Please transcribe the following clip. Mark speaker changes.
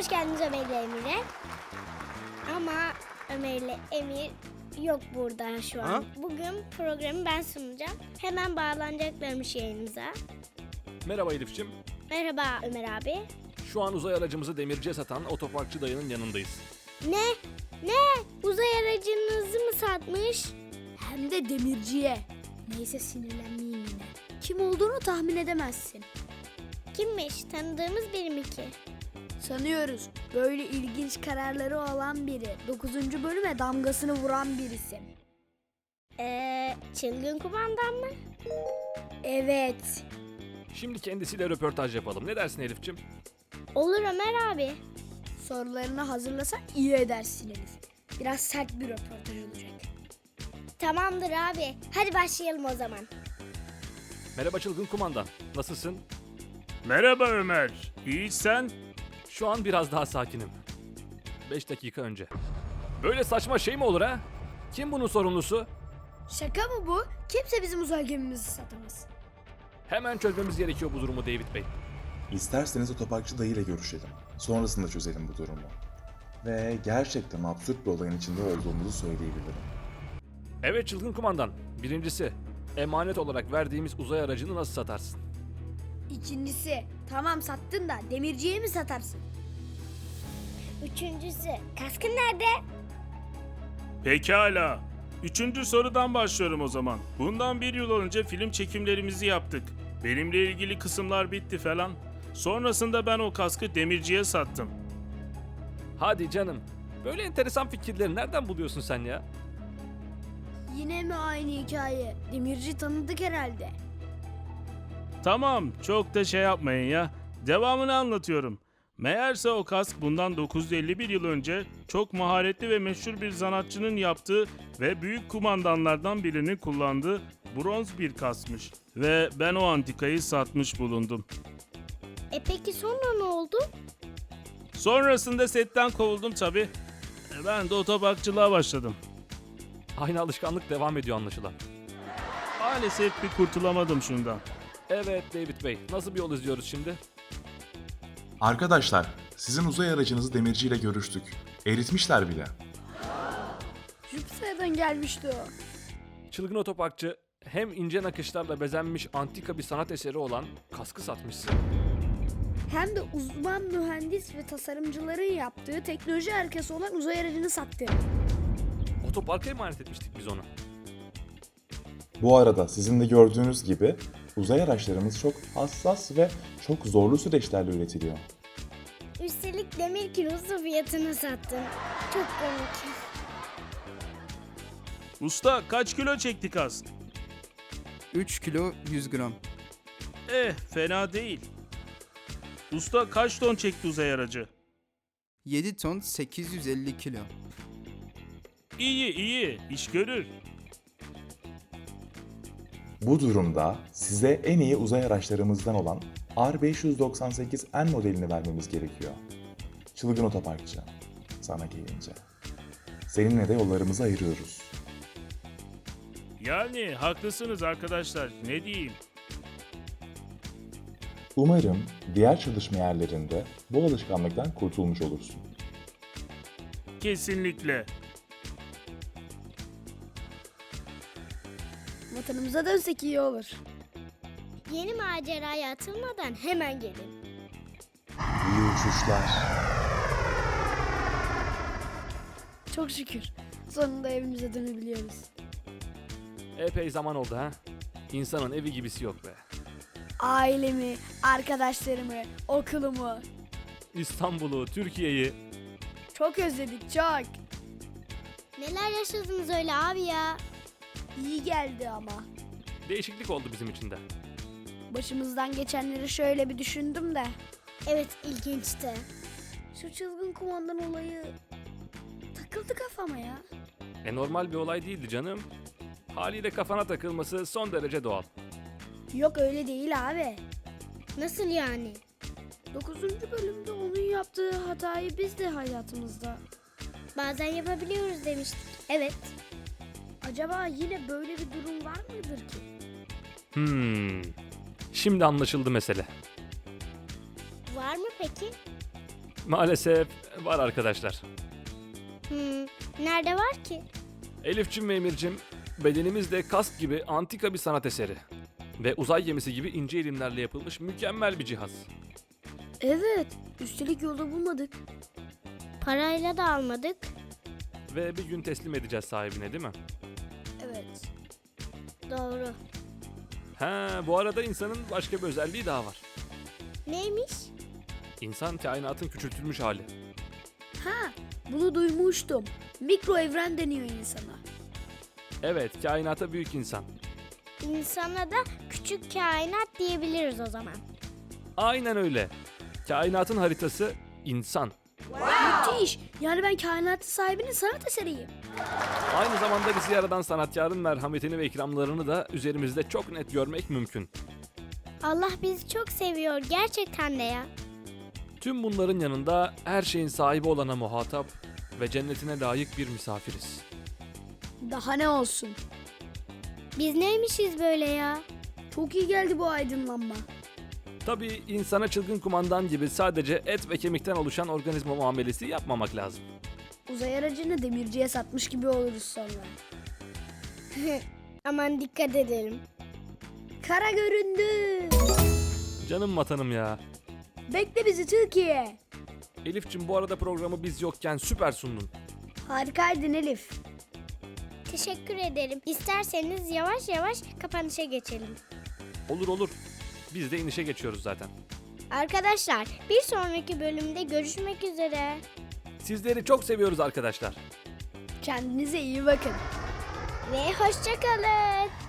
Speaker 1: Hoş geldiniz Ömer ile Emir'e. Ama Ömer ile Emir yok burada şu an.
Speaker 2: Ha?
Speaker 1: Bugün programı ben sunacağım. Hemen bağlanacaklarmış yayınımıza.
Speaker 3: Merhaba Elif'ciğim.
Speaker 1: Merhaba Ömer abi.
Speaker 3: Şu an uzay aracımızı demirciye satan otoparkçı dayının yanındayız.
Speaker 1: Ne? Uzay aracınızı mı satmış?
Speaker 4: Hem de demirciye. Neyse sinirlenmeyeyim yine. Kim olduğunu tahmin edemezsin.
Speaker 1: Kimmiş? Tanıdığımız biri mi ki?
Speaker 4: Sanıyoruz. Böyle ilginç kararları olan biri. 9. bölüme damgasını vuran bir isim.
Speaker 1: Çılgın kumandan mı?
Speaker 4: Evet.
Speaker 3: Şimdi kendisiyle röportaj yapalım. Ne dersin Elif'ciğim?
Speaker 1: Olur Ömer abi.
Speaker 4: Sorularını hazırlasan iyi edersin Elif. Biraz sert bir röportaj olacak.
Speaker 1: Tamamdır abi. Hadi başlayalım o zaman.
Speaker 3: Merhaba çılgın kumandan. Nasılsın?
Speaker 2: Merhaba Ömer. İyi sen?
Speaker 3: Şu an biraz daha sakinim. 5 dakika önce. Böyle saçma şey mi olur ha? Kim bunun sorumlusu?
Speaker 4: Şaka mı bu? Kimse bizim uzay gemimizi satamaz.
Speaker 3: Hemen çözmemiz gerekiyor bu durumu David Bey.
Speaker 5: İsterseniz otoparkçı dayıyla görüşelim. Sonrasında çözelim bu durumu. Ve gerçekten absürt bir olayın içinde olduğumuzu söyleyebilirim.
Speaker 3: Evet çılgın kumandan. Birincisi, emanet olarak verdiğimiz uzay aracını nasıl satarsın?
Speaker 4: İkincisi, tamam sattın da demirciye mi satarsın?
Speaker 1: Üçüncüsü, kaskın nerede?
Speaker 2: Pekala. 3. sorudan başlıyorum o zaman. Bundan 1 yıl önce film çekimlerimizi yaptık. Benimle ilgili kısımlar bitti falan. Sonrasında ben o kaskı demirciye sattım.
Speaker 3: Hadi canım. Böyle enteresan fikirleri nereden buluyorsun sen ya?
Speaker 4: Yine mi aynı hikaye? Demirci tanıdık herhalde.
Speaker 2: Tamam, çok da şey yapmayın ya. Devamını anlatıyorum. Meğerse o kask bundan 951 yıl önce çok maharetli ve meşhur bir sanatçının yaptığı ve büyük kumandanlardan birinin kullandığı bronz bir kaskmış. Ve ben o antikayı satmış bulundum.
Speaker 1: Peki sonra ne oldu?
Speaker 2: Sonrasında setten kovuldum tabii. Ben de otoparkçılığa başladım.
Speaker 3: Aynı alışkanlık devam ediyor anlaşılan.
Speaker 2: Maalesef bir kurtulamadım şundan.
Speaker 3: Evet David Bey, nasıl bir yol izliyoruz şimdi?
Speaker 5: Arkadaşlar, sizin uzay aracınızı demirciyle görüştük. Eritmişler bile.
Speaker 4: Jüpiter'den gelmişti o.
Speaker 3: Çılgın otoparkçı hem ince nakışlarla bezenmiş antika bir sanat eseri olan kaskı satmışsın.
Speaker 4: Hem de uzman mühendis ve tasarımcıların yaptığı teknoloji harikası olan uzay aracını sattı.
Speaker 3: Otoparka emanet etmiştik biz onu.
Speaker 5: Bu arada sizin de gördüğünüz gibi uzay araçlarımız çok hassas ve çok zorlu süreçlerle üretiliyor.
Speaker 1: Üstelik demir kilosu fiyatını sattın. Çok komik.
Speaker 2: Usta kaç kilo çekti kask?
Speaker 6: 3 kilo 100 gram.
Speaker 2: Fena değil. Usta kaç ton çekti uzay aracı?
Speaker 6: 7 ton 850 kilo.
Speaker 2: İyi, iş görür.
Speaker 5: Bu durumda size en iyi uzay araçlarımızdan olan R598N modelini vermemiz gerekiyor. Çılgın otoparkçı, sana gelince. Seninle de yollarımızı ayırıyoruz.
Speaker 2: Yani haklısınız arkadaşlar, ne diyeyim?
Speaker 5: Umarım diğer çalışma yerlerinde bu alışkanlıktan kurtulmuş olursun.
Speaker 2: Kesinlikle.
Speaker 4: Vatanımıza dönsek iyi olur.
Speaker 1: Yeni maceraya atılmadan hemen gelin.
Speaker 5: İyi uçuşlar.
Speaker 4: Çok şükür. Sonunda evimize dönebiliyoruz.
Speaker 3: Epey zaman oldu ha. İnsanın evi gibisi yok be.
Speaker 4: Ailemi, arkadaşlarımı, okulumu
Speaker 3: İstanbul'u, Türkiye'yi.
Speaker 4: çok özledik çok.
Speaker 1: Neler yaşadınız öyle abi ya?
Speaker 4: İyi geldi ama.
Speaker 3: Değişiklik oldu bizim için de.
Speaker 4: Başımızdan geçenleri şöyle bir düşündüm de.
Speaker 1: Evet, ilginçti.
Speaker 4: Şu çılgın kumandan olayı takıldı kafama ya.
Speaker 3: Normal bir olay değildi canım. Haliyle kafana takılması son derece doğal.
Speaker 4: Yok öyle değil abi.
Speaker 1: Nasıl yani?
Speaker 4: 9. bölümde onun yaptığı hatayı biz de hayatımızda.
Speaker 1: Bazen yapabiliyoruz demiştik. Evet.
Speaker 4: Acaba yine böyle bir durum var mıdır ki?
Speaker 3: Şimdi anlaşıldı mesele.
Speaker 1: Var mı peki?
Speaker 3: Maalesef var arkadaşlar.
Speaker 1: Nerede var ki?
Speaker 3: Elif'cim ve Emir'cim, bedenimiz de kask gibi antika bir sanat eseri. Ve uzay gemisi gibi ince ilimlerle yapılmış mükemmel bir cihaz.
Speaker 4: Evet, üstelik yolda bulmadık.
Speaker 1: Parayla da almadık.
Speaker 3: Ve bir gün teslim edeceğiz sahibine, değil mi?
Speaker 4: Evet.
Speaker 1: Doğru.
Speaker 3: Bu arada insanın başka bir özelliği daha var.
Speaker 1: Neymiş?
Speaker 3: İnsan kainatın küçültülmüş hali.
Speaker 4: Ha, bunu duymuştum. Mikro evren deniyor insana.
Speaker 3: Evet, kainata büyük insan.
Speaker 1: İnsana da küçük kainat diyebiliriz o zaman.
Speaker 3: Aynen öyle. Kainatın haritası insan.
Speaker 4: Müthiş. Yani ben kainatın sahibinin sanat eseriyim.
Speaker 3: Aynı zamanda bizi yaradan sanatkarın merhametini ve ikramlarını da üzerimizde çok net görmek mümkün.
Speaker 1: Allah bizi çok seviyor gerçekten de ya.
Speaker 3: Tüm bunların yanında her şeyin sahibi olana muhatap ve cennetine layık bir misafiriz.
Speaker 4: Daha ne olsun.
Speaker 1: Biz neymişiz böyle ya?
Speaker 4: Çok iyi geldi bu aydınlanma.
Speaker 3: Tabii insana çılgın kumandan gibi sadece et ve kemikten oluşan organizma muamelesi yapmamak lazım.
Speaker 4: Uzay aracını demirciye satmış gibi oluruz sonra.
Speaker 1: Aman dikkat edelim.
Speaker 4: Kara göründü.
Speaker 3: Canım vatanım ya.
Speaker 4: Bekle bizi Türkiye.
Speaker 3: Elif'cim, bu arada programı biz yokken süper sundun.
Speaker 4: Harikaydın Elif.
Speaker 1: Teşekkür ederim. İsterseniz yavaş yavaş kapanışa geçelim.
Speaker 3: Olur olur. Biz de inişe geçiyoruz zaten.
Speaker 1: Arkadaşlar bir sonraki bölümde görüşmek üzere.
Speaker 3: Sizleri çok seviyoruz arkadaşlar.
Speaker 4: Kendinize iyi bakın.
Speaker 1: Ve hoşça kalın.